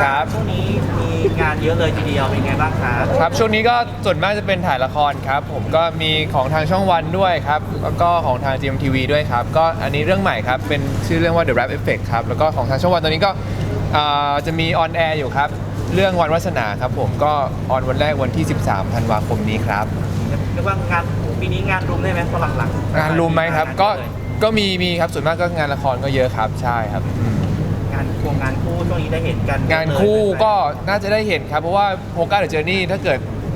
ครับช่วงนี้มีงานเยอะเลยทีเดียวเป็นไงบ้างครับครับช่วงนี้ก็ส่วนมากจะเป็นถ่ายละครครับผมก็มีของทางช่องวันด้วยครับแล้วก็ของทาง GMTV ด้วยครับก็อันนี้เรื่องใหม่ครับเป็นชื่อเรื่องว่า The Rap Effect ครับแล้วก็ของทางช่องวันตอนนี้ก็จะมีออนแอร์อยู่ครับเรื่องวันวาสนาครับผมก็ออนวันแรกวันที่ 13 ธันวาคมนี้ครับเรียกว่างานปีนี้งานรุมได้ไหมพอหลังๆงานรุมไหมครับก็มีครับส่วนมากก็งานละครก็เยอะครับใช่ครับงานคู่ช่วงนี้ได้เห็นกันงานคู่ก็น่าจะได้เห็นครับเพราะว่าโฮก้าเดอะเจอร์นี่ถ้าเกิด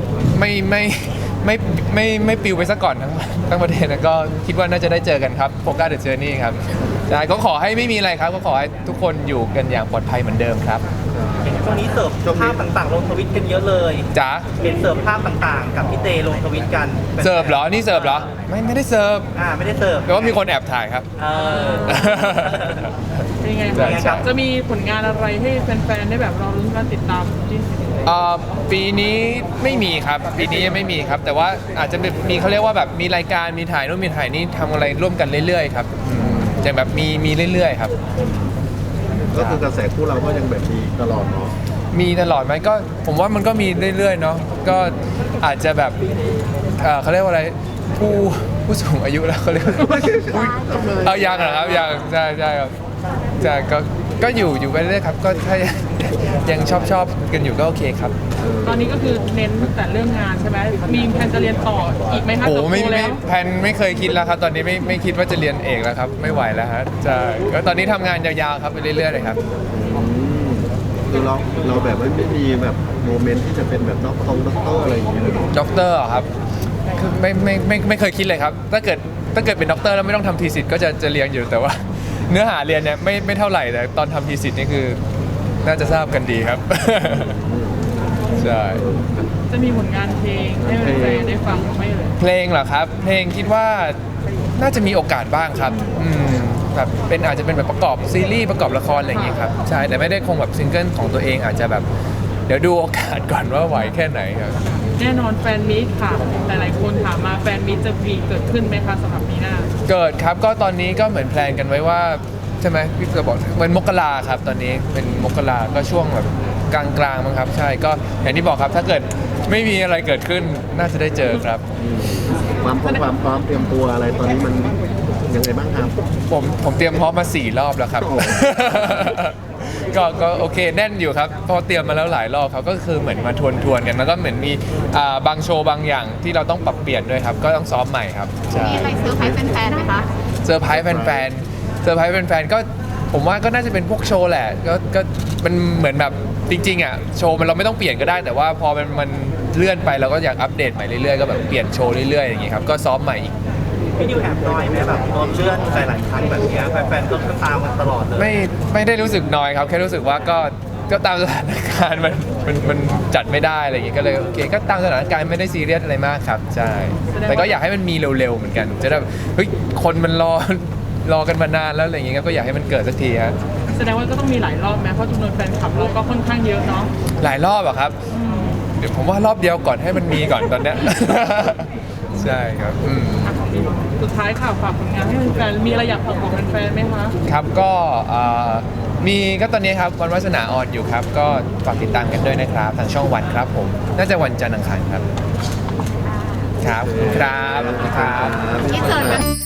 ไม่ปิวไปซะก่อนทั้งประเทศนะก็คิดว่าน่าจะได้เจอกันครับโฮก้าเดอะเจอร์นี่ครับใช่ก็ขอให้ไม่มีอะไรครับก็ขอให้ทุกคนอยู่กันอย่างปลอดภัยเหมือนเดิมครับช่วงนี้เสิร์ฟภาพต่างๆลงทวิตกันเยอะเลยจ๋าเห็นเสิร์ฟภาพต่างๆ กับพี่เตลงทวิตกันเสิร์ฟเหรอนี่เสิร์ฟเหรอไม่ได้เสิร์ฟไม่ได้เสิร์ฟแปลว่ามีคนแอบถ่ายครับเป็นไงครับจะมีผลงานอะไรให้แฟนๆได้แบบรอรุ้นการติดตามที่ปีนี้ไม่มีครับปีนี้ยังไม่มีครับแต่ว่าอาจจะมีเขาเรียกว่าแบบมีรายการมีถ่ายนู่นมีถ่ายนี่ทำอะไรร่วมกันเรื่อยๆครับจะแบบมีเรื่อยๆครับก็คือกระแสคู่เราก็ยังแบบมีตลอดเนาะมีตลอดไหมก็ผมว่ามันก็มีเรื่อยๆเนาะก็อาจจะแบบเขาเรียกว่าอะไรผู้สูงอายุแล้วเขาเรียกเอายังเหรอครับยังใช่ครับใช่ก็อยู่ไปเรื่อยครับก็ถ้ายังชอบกันอยู่ก็โอเคครับตอนนี้ก็คือเน้นแต่เรื่องงานใช่ไหมมีแผนจะเรียนต่ออีกไหมครับโอ้ไม่แผนไม่เคยคิดแล้วครับตอนนี้ไม่คิดว่าจะเรียนเอกแล้วครับไม่ไหวแล้วฮะจะก็ตอนนี้ทำงานยาวๆครับไปเรื่อยๆเลยครับคือเราแบบไม่มีแบบโมเมนต์ที่จะเป็นแบบด็อกเตอร์อะไรอย่างเงี้ยด็อกเตอร์ครับคือไม่เคยคิดเลยครับถ้าเกิดเป็นด็อกเตอร์แล้วไม่ต้องทำทีสิทธ์ก็จะเรียนอยู่แต่ว่าเนื้อหาเรียนเนี่ยไม่เท่าไหร่แต่ตอนทำทีสิทธ์นี่คือน่าจะทราบกันดีครับใช่จะมีผลงานเพลงให้แฟนๆได้ฟังไหมเลยเพลงเหรอครับเพลงคิดว่าน่าจะมีโอกาสบ้างครับแบบอาจจะเป็นแบบประกอบซีรีส์ประกอบละครอะไรอย่างเงี้ยครับใช่แต่ไม่ได้คงแบบซิงเกิลของตัวเองอาจจะแบบเดี๋ยวดูโอกาสก่อนว่าไหวแค่ไหนครับแน่นอนแฟนมิตค่ะหลายๆคนถามมาแฟนมิตจะมีเกิดขึ้นไหมคะสำหรับปีหน้าเกิดครับก็ตอนนี้ก็เหมือนแพลนกันไว้ว่าใช่ไหมพี่จะบอกเป็นมกราครับตอนนี้เป็นมกราก็ช่วงแบบกลางมั้งครับใช่ก็อย่างที่บอกครับถ้าเกิดไม่มีอะไรเกิดขึ้นน่าจะได้เจอครับความพร้อมเตรียมตัวอะไรตอนนี้มันยังไงบ้างครับผมเตรียมพร้อมมา4 รอบแล้วครับก็โอเคแน่นอยู่ครับพอเตรียมมาแล้วหลายรอบเขาก็คือเหมือนมาทวนกันแล้วก็เหมือนมีบางโชว์บางอย่างที่เราต้องปรับเปลี่ยนด้วยครับก็ต้องซ้อมใหม่ครับมีอะไรเซอร์ไพรส์แฟนๆไหมคะเซอร์ไพรส์แฟนๆก็ผมว่าก็น่าจะเป็นพวกโชว์แหละก็มันเหมือนแบบจริงๆอ่ะโชว์มันเราไม่ต้องเปลี่ยนก็ได้แต่ว่าพอมันเลื่อนไปเราก็อยากอัปเดตใหม่เรื่อยๆก็แบบเปลี่ยนโชว์เรื่อยๆอย่างงี้ครับก็ซ้อมใหม่อีกพี่ดิวแอบน้อยไหมแบบโดนเลื่อนหลายๆครั้งแบบนี้แฟนๆก็ตามมันตลอดเลยไม่ได้รู้สึกน้อยครับแค่รู้สึกว่าก็ตามสถานการณ์มันจัดไม่ได้อะไรอย่างเงี้ยก็เลยโอเคก็ตามสถานการณ์ไม่ได้ซีเรียสอะไรมากครับใช่แต่ก็อยากให้มันมีเร็วๆเหมือนกันจะได้เฮ้ยคนมันรอกันมานานแล้วอะไรอย่างเงี้ยก็อยากให้มันเกิดสักทีฮะแสดงว่าก็ต้องมีหลายรอบไหมเพราะจำนวนแฟนคลับเราก็ค่อนข้างเยอะเนาะหลายรอบอะครับเดี๋ยวผมว่ารอบเดียวก่อนให้มันมีก่อนตอนเนี้ยใช่ครับสุดท้ายค่ะฝากผลงานให้แฟนมีอะไรอยากบอกแฟนๆไหมคะครับก็มีก็ตอนนี้ครับวันวาสนาออนอยู่ครับก็ฝากติดตามกันด้วยนะครับทางช่องวันครับผมน่าจะวันจันทร์อังคารครับครับที่เจอ